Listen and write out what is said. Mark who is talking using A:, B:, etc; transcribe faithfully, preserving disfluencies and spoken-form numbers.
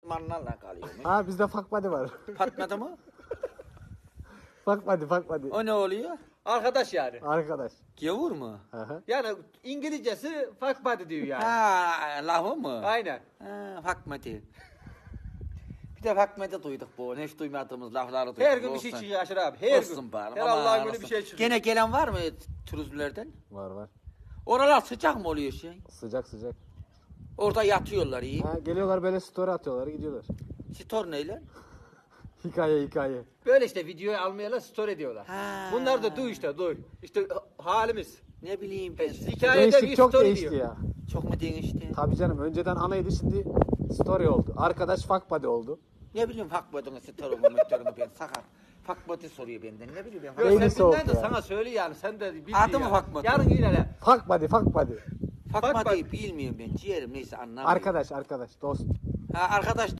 A: Fatma'larla kalıyor.
B: Ha bizde fuck buddy var.
A: Fatma'da mı?
B: Fuck buddy, fuck buddy.
A: O ne oluyor?
C: Arkadaş yani.
B: Arkadaş.
A: Gavur mu?
B: Hı hı.
C: Yani İngilizcesi fuck buddy diyor yani.
A: Ha, lafı mı?
C: Aynen.
A: Ha, Fakmeti. Bir de Fakmeti duyduk bu. Hiç duymadığımız lafları duyduk.
C: Her gün bir şey
A: Olsun.
C: çıkıyor Aşır abi. Her
A: Olsun
C: gün.
A: bari.
C: Her
A: aman
C: Allah'ın günü
A: olsun.
C: bir şey çıkıyor.
A: Gene gelen var mı turizmlerden?
B: Var var.
A: Oralar sıcak mı oluyor şey?
B: Sıcak sıcak.
A: Orada yatıyorlar iyi.
B: Ha, geliyorlar böyle story atıyorlar gidiyorlar.
A: Stor neyle?
B: Hikaye hikaye.
C: Böyle işte videoyu almayalar story diyorlar.
A: Ha.
C: Bunlar da duy işte duy. İşte halimiz.
A: Ne bileyim
C: E,
A: ben.
C: hikayede bir
B: Değişik çok
C: story
B: değişti
C: diyor.
B: ya.
A: Çok mu değişti?
B: Tabii canım önceden anaydı şimdi story oldu. Arkadaş fuck buddy oldu.
A: Ne bileyim Fakmeti'nin storumu mütörünü ben sakar. Fakmeti soruyor benden. Ne bileyim ben.
C: Yok,
B: Beyni
C: sen
B: soğuk
C: bilmem de
B: ya.
C: sana söyle yani sen de bil.
A: Adı mı
C: yani.
A: Fatma?
C: Yarın yine lan.
B: Fuck buddy, fuck buddy.
A: Fakmeti'yi bilmiyorum ben. Ciğerim neyse anlamıyorum.
B: Arkadaş arkadaş dost.
A: Ha arkadaş